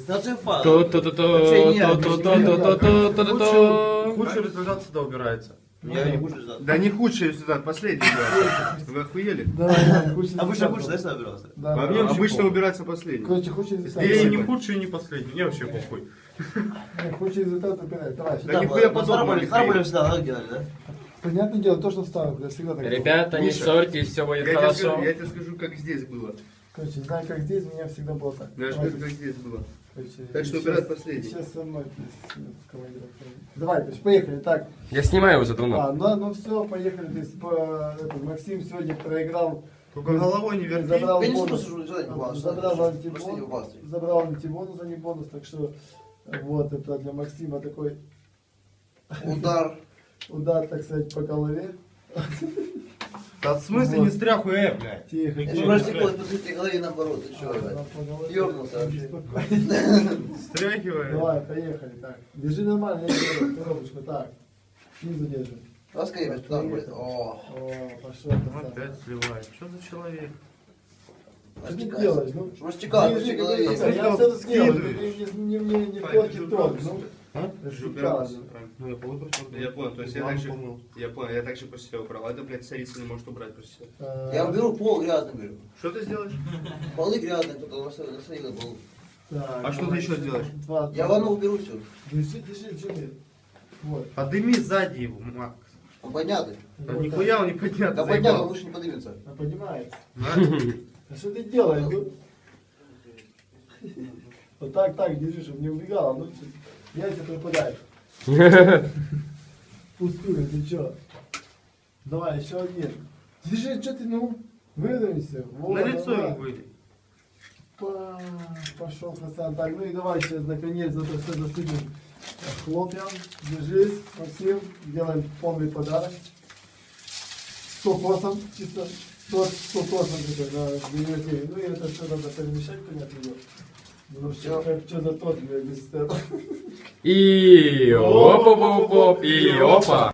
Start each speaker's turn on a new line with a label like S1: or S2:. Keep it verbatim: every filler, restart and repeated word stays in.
S1: Презентация файлов.
S2: Худший результат всегда убирается.
S1: Я не худший результат.
S2: Да не худший результат, последний. Вы охуели?
S3: Давай, худший
S1: Обычно
S3: результат.
S1: худший, да, всегда убирался?
S3: Да.
S2: Обычно убирается последний.
S3: Короче, худший результат.
S2: Я и не худший, и не последний. Мне вообще похуй.
S3: Не, худший результат убирай. Давай,
S2: Да нихуя подобного.
S1: Старые всегда, да, делали, да?
S3: понятное дело, то, что вставил, я всегда так делал.
S4: Ребята, не
S2: Миша,
S4: ссорьтесь, все будет
S2: Я тебе,
S4: хорошо.
S2: скажу, я тебе скажу, как здесь было.
S3: Короче, знаю, как здесь, у меня всегда было так.
S2: Я же
S3: Давай,
S2: скажу, как здесь было.
S3: короче,
S2: Так что
S3: сейчас-
S2: убирать последний.
S3: Сейчас со мной. то есть, с командиром. Давай, короче, поехали. Так,
S4: Я снимаю уже давно.
S3: а, ну, ну все, поехали. То есть, по, это, Максим сегодня проиграл.
S2: Только головой не верти.
S3: Забрал
S1: Я не
S3: бонус,
S1: слушаю, что это было, что
S3: забрал
S1: это,
S3: антибонус,
S1: что это было.
S3: забрал антибонус, а не бонус, так что вот это для Максима такой
S1: Удар.
S3: удар, так сказать, по голове.
S2: Да в смысле не стряху, э, блядь.
S3: Тихо,
S1: Я
S3: тихо.
S1: же растеклось по своей голове наоборот. Ты чё,
S3: А,
S1: блядь?
S3: по голове.
S1: Ёбнулся вообще.
S3: Спокойно.
S2: Стряхивай.
S3: Давай, поехали. Так, держи нормально, я держу коробочку. Так, снизу держи.
S1: Раскрепись, туда будет. О.
S3: О, пошел. красавчик.
S2: Опять сливает. Что за человек?
S3: Что ты делаешь? Ну,
S1: Чтобы растекалось по
S3: держи,
S1: всей
S3: как
S1: голове.
S3: говорится, я все сделал. Ты не, не, не, не портит тон. Ну,
S2: А?
S3: растекалось.
S2: Ну я понял, я понял, то есть я также, я понял, я также после себя убрал. Это, блядь, царица не может убрать после себя.
S3: А,
S1: Я уберу пол грязный, беру.
S2: Что ты сделаешь?
S1: Полы грязные, кто-то насадил на пол.
S3: так,
S2: А что ты
S3: давай,
S2: еще сделаешь?
S3: Два,
S1: Я
S3: два.
S1: ванну уберу все.
S3: Держи, держи, держи. Вот.
S2: Подыми сзади его, Макс.
S1: Он поднятый.
S2: Да
S3: Вот
S2: нихуя он не поднят.
S1: Да поднятый, он выше не поднимется.
S3: так. А поднимается.
S2: На.
S3: А что ты делаешь? Ну? Вот так, так, держи, чтобы не убегало. Ну, яйца пропадают. Пустую, ты чё? Давай, еще один. Держи, что ты, ну? Выдавайся. Вот,
S2: На лицо
S3: давай.
S2: ему выйди.
S3: Па, пошел красавчик. Так, ну и давай сейчас наконец это все засыпем хлопьям. Держись, Максим, делаем полный подарок. С кокосом, чисто торт с кокосом такой на день. Ну и это все надо перемешать, понятно дело. Потому что как что за торт, блядь, без этого.
S4: И оп-оп-оп-оп, и опа.